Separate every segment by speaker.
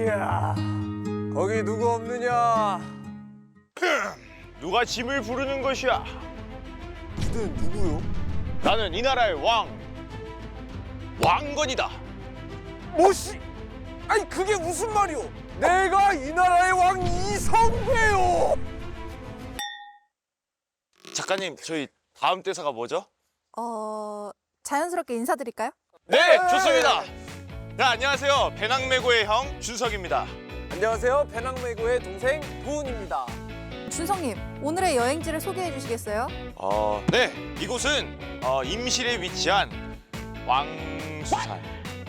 Speaker 1: 이야, 거기 누구 없느냐?
Speaker 2: 누가 짐을 부르는 것이야?
Speaker 1: 그는 누구요?
Speaker 2: 나는 이 나라의 왕건이다.
Speaker 1: 뭐시? 아니 그게 무슨 말이오? 내가 이 나라의 왕 이성배요.
Speaker 2: 작가님, 저희 다음 대사가 뭐죠?
Speaker 3: 자연스럽게 인사드릴까요?
Speaker 2: 네, 좋습니다. 네, 안녕하세요. 배낭매고의 형 준석입니다.
Speaker 1: 안녕하세요. 배낭매고의 동생 도훈입니다.
Speaker 3: 준성님, 오늘의 여행지를 소개해 주시겠어요?
Speaker 2: 네, 이곳은 임실에 위치한 왕수산.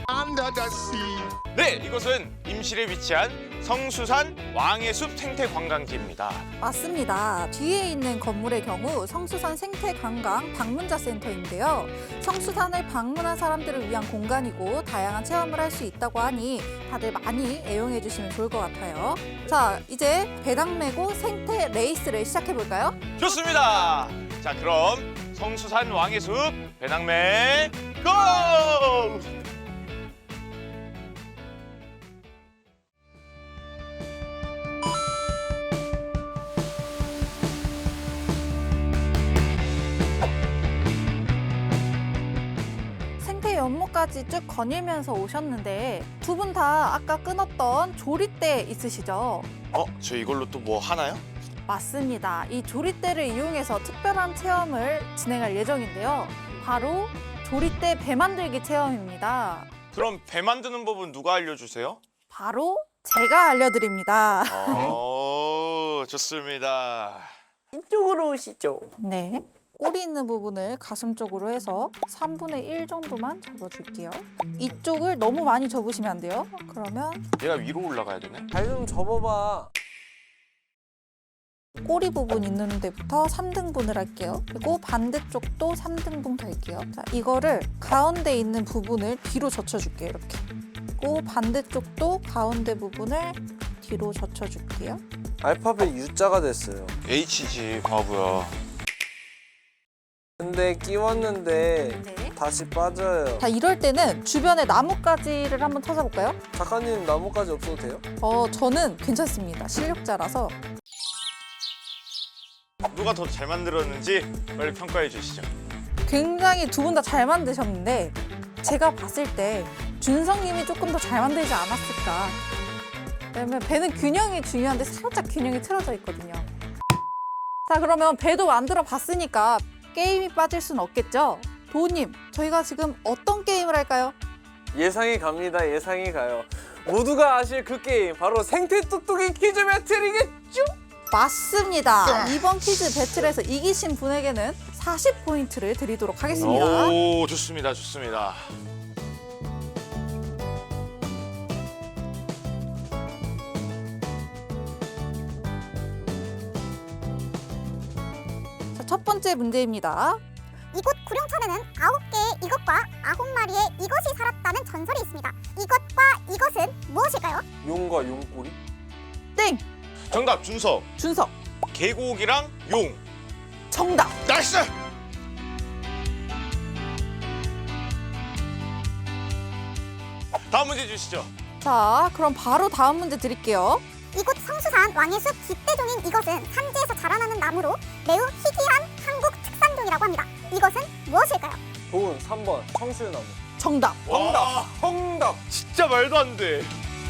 Speaker 2: 네, 이곳은 임실에 위치한 성수산 왕의 숲 생태 관광지입니다.
Speaker 3: 맞습니다. 뒤에 있는 건물의 경우 성수산 생태관광 방문자 센터인데요. 성수산을 방문한 사람들을 위한 공간이고 다양한 체험을 할 수 있다고 하니 다들 많이 애용해 주시면 좋을 것 같아요. 자, 이제 배낭매고 생태 레이스를 시작해 볼까요?
Speaker 2: 좋습니다. 자, 그럼 성수산 왕의 숲 배낭매 고!
Speaker 3: 생태 연못까지 쭉 거닐면서 오셨는데 두 분 다 아까 끊었던 조리대 있으시죠?
Speaker 2: 저 이걸로 또 뭐 하나요?
Speaker 3: 맞습니다. 이 조리대를 이용해서 특별한 체험을 진행할 예정인데요. 바로 조리대 배 만들기 체험입니다.
Speaker 2: 그럼 배 만드는 법은 누가 알려주세요?
Speaker 3: 바로 제가 알려드립니다.
Speaker 2: 좋습니다.
Speaker 1: 이쪽으로 오시죠.
Speaker 3: 네. 꼬리 있는 부분을 가슴 쪽으로 해서 3분의 1 정도만 접어줄게요. 이쪽을 너무 많이 접으시면 안 돼요. 그러면
Speaker 2: 얘가 위로 올라가야 되네.
Speaker 1: 발 좀 접어봐.
Speaker 3: 꼬리 부분 있는 데부터 3등분을 할게요. 그리고 반대쪽도 3등분 갈게요. 자, 이거를 가운데 있는 부분을 뒤로 젖혀줄게요. 이렇게. 그리고 반대쪽도 가운데 부분을 뒤로 젖혀줄게요.
Speaker 1: 알파벳 U자가 됐어요.
Speaker 2: H지 바보야.
Speaker 1: 근데 끼웠는데
Speaker 3: 네.
Speaker 1: 다시 빠져요.
Speaker 3: 자, 이럴 때는 주변에 나뭇가지를 한번 찾아볼까요?
Speaker 1: 작가님 나뭇가지 없어도 돼요?
Speaker 3: 저는 괜찮습니다. 실력자라서.
Speaker 2: 누가 더 잘 만들었는지 빨리 평가해 주시죠.
Speaker 3: 굉장히 두 분 다 잘 만드셨는데 제가 봤을 때 준성님이 조금 더 잘 만들지 않았을까. 왜냐면 배는 균형이 중요한데 살짝 균형이 틀어져 있거든요. 자, 그러면 배도 만들어 봤으니까 게임이 빠질 순 없겠죠? 도우님, 저희가 지금 어떤 게임을 할까요?
Speaker 1: 예상이 갑니다. 예상이 가요. 모두가 아실 그 게임 바로 생태 뚝뚝이 퀴즈 배틀이겠죠?
Speaker 3: 맞습니다. 이번 퀴즈 배틀에서 이기신 분에게는 40포인트를 드리도록 하겠습니다.
Speaker 2: 오, 좋습니다. 좋습니다.
Speaker 3: 자, 첫 번째 문제입니다.
Speaker 4: 이곳 구룡천에는 9개의 이것과 9마리의 이것이 살았다는 전설이 있습니다. 이것과 이것은 무엇일까요?
Speaker 1: 용과 용꼬리?
Speaker 3: 땡!
Speaker 2: 정답 준석.
Speaker 3: 준석,
Speaker 2: 계곡이랑 용.
Speaker 3: 정답!
Speaker 2: 나이스. 다음 문제 주시죠.
Speaker 3: 자, 그럼 바로 다음 문제 드릴게요.
Speaker 4: 이곳 성수산 왕의 숲 깃대종인 이것은 산지에서 자라나는 나무로 매우 희귀한 한국 특산종이라고 합니다. 이것은 무엇일까요?
Speaker 1: 도훈 3번 청실나무.
Speaker 3: 정답!
Speaker 2: 와,
Speaker 1: 정답!
Speaker 2: 진짜 말도 안 돼.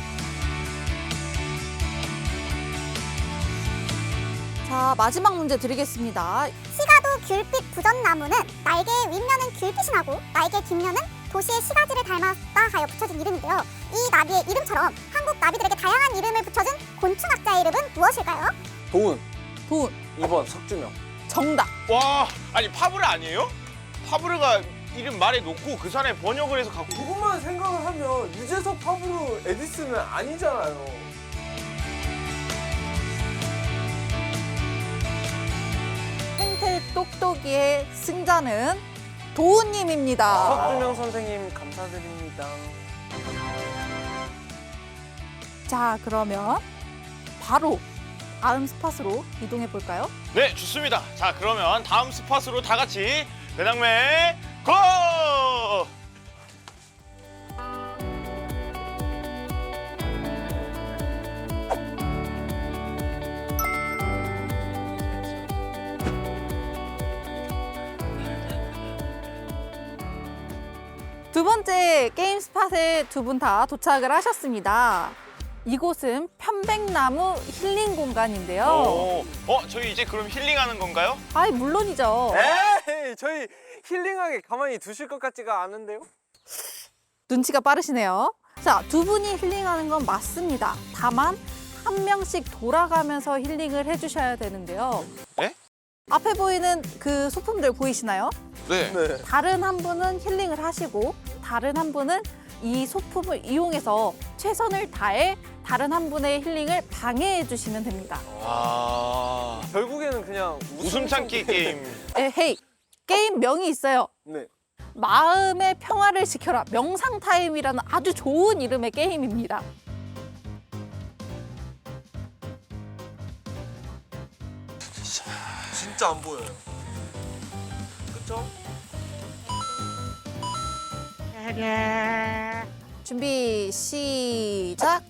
Speaker 3: 자, 마지막 문제 드리겠습니다.
Speaker 4: 시가도 귤빛 부전나무는 날개의 윗면은 귤빛이 나고 날개 뒷면은 도시의 시가지를 닮았다 하여 붙여진 이름인데요. 이 나비의 이름처럼 한국 나비들에게 다양한 이름을 붙여준 곤충학자의 이름은 무엇일까요?
Speaker 1: 도훈
Speaker 3: 도훈,
Speaker 1: 2번 석주명.
Speaker 3: 정답!
Speaker 2: 와, 아니 파브르 아니에요? 파브르가 이름 말에 놓고 그 산에 번역을 해서 갖고.
Speaker 1: 그것만 생각을 하면 유재석 파브로 에디슨은 아니잖아요.
Speaker 3: 생태 똑똑이의 승자는 도훈님입니다.
Speaker 1: 석주명 선생님 감사드립니다.
Speaker 3: 자, 그러면 바로 다음 스팟으로 이동해 볼까요?
Speaker 2: 네, 좋습니다. 자, 그러면 다음 스팟으로 다 같이 배낭매 고!
Speaker 3: 두 번째 게임 스팟에 두 분 다 도착을 하셨습니다. 이곳은 편백나무 힐링 공간인데요.
Speaker 2: 저희 이제 그럼 힐링하는 건가요?
Speaker 3: 아이, 물론이죠.
Speaker 1: 에이, 저희 힐링하게 가만히 두실 것 같지가 않은데요?
Speaker 3: 눈치가 빠르시네요. 자, 두 분이 힐링하는 건 맞습니다. 다만 한 명씩 돌아가면서 힐링을 해주셔야 되는데요.
Speaker 2: 네?
Speaker 3: 앞에 보이는 그 소품들 보이시나요?
Speaker 2: 네.
Speaker 1: 네.
Speaker 3: 다른 한 분은 힐링을 하시고 다른 한 분은 이 소품을 이용해서 최선을 다해 다른 한 분의 힐링을 방해해 주시면 됩니다.
Speaker 2: 아,
Speaker 1: 결국에는 그냥
Speaker 2: 웃음 참기 게임.
Speaker 3: 에헤이, 게임 명이 있어요.
Speaker 1: 네.
Speaker 3: 마음의 평화를 지켜라. 명상 타임이라는 아주 좋은 이름의 게임입니다.
Speaker 1: 진짜 안 보여요. 그쵸?
Speaker 3: 준비 시작.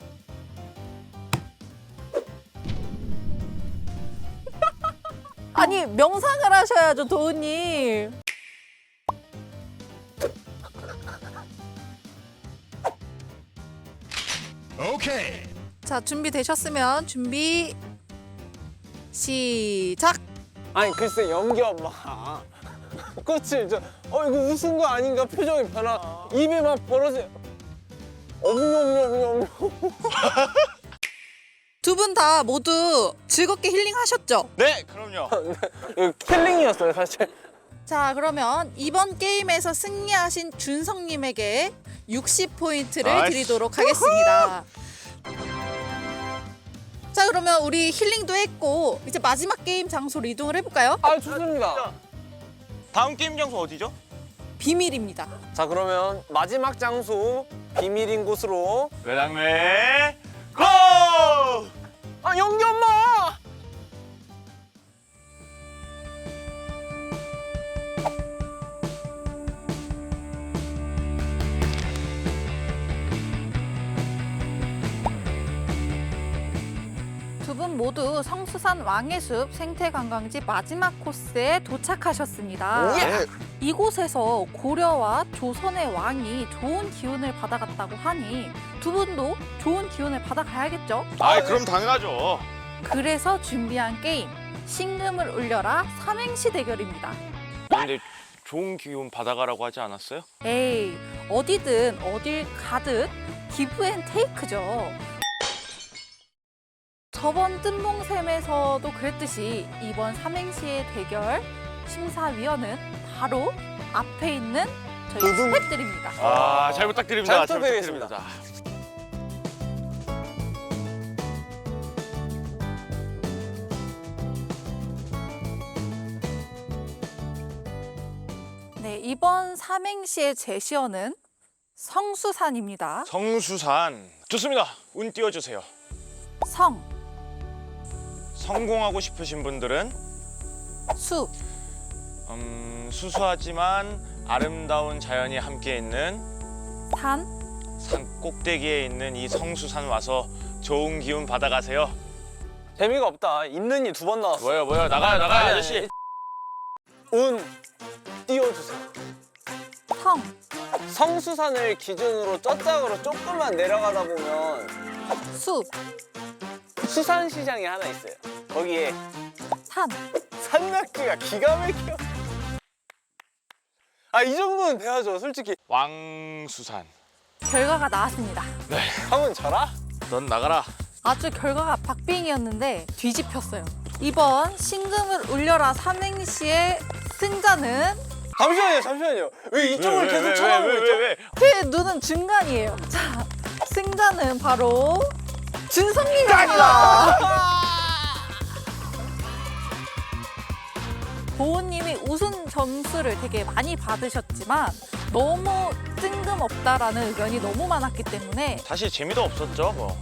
Speaker 3: 아니, 명상을 하셔야죠, 도우님.
Speaker 5: 오케이.
Speaker 3: 자, 준비되셨으면 준비 시작.
Speaker 1: 아니 글쎄 연기 엄마. 꽃을 이거 웃은 거 아닌가 표정이 변화. 입에 막 벌어져. 엄뇸뇸뇸.
Speaker 3: 두 분 다 모두 즐겁게 힐링하셨죠?
Speaker 2: 네, 그럼요.
Speaker 1: 이거 킬링이었어요 사실.
Speaker 3: 자, 그러면 이번 게임에서 승리하신 준성님에게 60포인트를
Speaker 2: 나이스.
Speaker 3: 드리도록 하겠습니다. 자, 그러면 우리 힐링도 했고 이제 마지막 게임 장소로 이동을 해볼까요?
Speaker 1: 아 좋습니다.
Speaker 2: 다음 게임 장소 어디죠?
Speaker 3: 비밀입니다.
Speaker 1: 자 그러면 마지막 장소 비밀인 곳으로.
Speaker 2: 외당매 고!
Speaker 1: 아 연기 엄마.
Speaker 3: 두 분 모두 성수산 왕해숲 생태관광지 마지막 코스에 도착하셨습니다.
Speaker 2: 예.
Speaker 3: 이곳에서 고려와 조선의 왕이 좋은 기운을 받아갔다고 하니 두 분도 좋은 기운을 받아가야겠죠?
Speaker 2: 그럼 당연하죠.
Speaker 3: 그래서 준비한 게임 신금을 울려라 삼행시 대결입니다.
Speaker 2: 근데 좋은 기운 받아가라고 하지 않았어요?
Speaker 3: 에이, 어디든 어딜 가듯 기브앤테이크죠. 저번 뜬봉샘에서도 그랬듯이 이번 삼행시의 대결 심사위원은 바로 앞에 있는 저희
Speaker 1: 두둥.
Speaker 3: 스태프들입니다.
Speaker 2: 잘 부탁드립니다.
Speaker 1: 잘 부탁드리겠습니다.
Speaker 3: 네, 이번 삼행시의 제시어는 성수산입니다.
Speaker 2: 성수산. 좋습니다. 운 띄워주세요.
Speaker 3: 성,
Speaker 2: 성공하고 싶으신 분들은
Speaker 3: 수,
Speaker 2: 수수하지만 아름다운 자연이 함께 있는
Speaker 3: 산,
Speaker 2: 산 꼭대기에 있는 이 성수산 와서 좋은 기운 받아가세요.
Speaker 1: 재미가 없다. 있는 이 두 번 나왔어.
Speaker 2: 뭐요? 나가요, 아저씨.
Speaker 1: 운 띄워주세요.
Speaker 3: 성,
Speaker 1: 성수산을 기준으로 쩌짝으로 조금만 내려가다 보면
Speaker 3: 수,
Speaker 1: 수산시장이 하나 있어요. 거기에
Speaker 3: 산.
Speaker 1: 산낙지가 기가 막혀. 이 정도는 돼야죠, 솔직히.
Speaker 2: 왕수산.
Speaker 3: 결과가 나왔습니다.
Speaker 1: 형은 져라?
Speaker 2: 넌 나가라.
Speaker 3: 아주 결과가 박빙이었는데 뒤집혔어요. 이번 신금을 울려라 삼행시의 승자는
Speaker 1: 잠시만요. 왜 이쪽을 계속 쳐다보고 있죠?
Speaker 2: 왜?
Speaker 3: 제 눈은 중간이에요. 자, 승자는 바로 준성님입니다. 보은님이 우승 점수를 되게 많이 받으셨지만 너무 뜬금없다라는 의견이 너무 많았기 때문에
Speaker 2: 사실 재미도 없었죠, 뭐.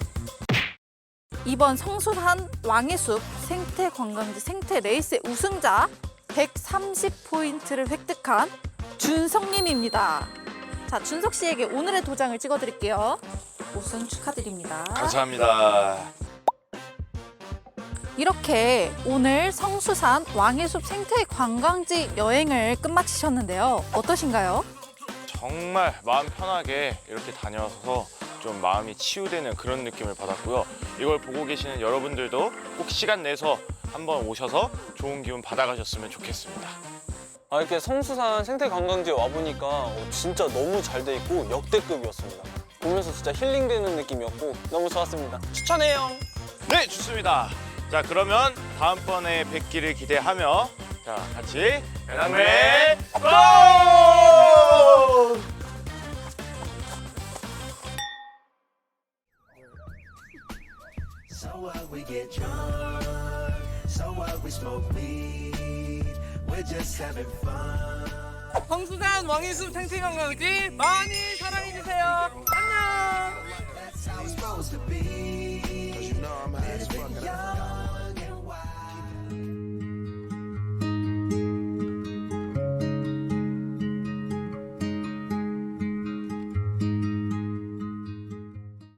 Speaker 3: 이번 성수산 왕해숲 생태관광지 생태레이스의 우승자 130포인트를 획득한 준성님입니다. 자, 준석 씨에게 오늘의 도장을 찍어드릴게요. 우승 축하드립니다.
Speaker 2: 감사합니다.
Speaker 3: 이렇게 오늘 성수산 왕해숲 생태관광지 여행을 끝마치셨는데요. 어떠신가요?
Speaker 2: 정말 마음 편하게 이렇게 다녀서 좀 마음이 치유되는 그런 느낌을 받았고요. 이걸 보고 계시는 여러분들도 꼭 시간 내서 한번 오셔서 좋은 기운 받아가셨으면 좋겠습니다.
Speaker 1: 아, 이렇게 성수산 생태관광지에 와보니까 진짜 너무 잘 돼 있고 역대급이었습니다. 보면서 진짜 힐링되는 느낌이었고 너무 좋았습니다. 추천해요.
Speaker 2: 네, 좋습니다. 자, 그러면 다음번에 뵙기를 기대하며 자, 같이 배낭매 고!
Speaker 5: So what, we get drunk. So what, we smoke weed. We're just having fun.
Speaker 6: 성수산 왕일숲 생태관광지 많이 사랑해주세요. 안녕!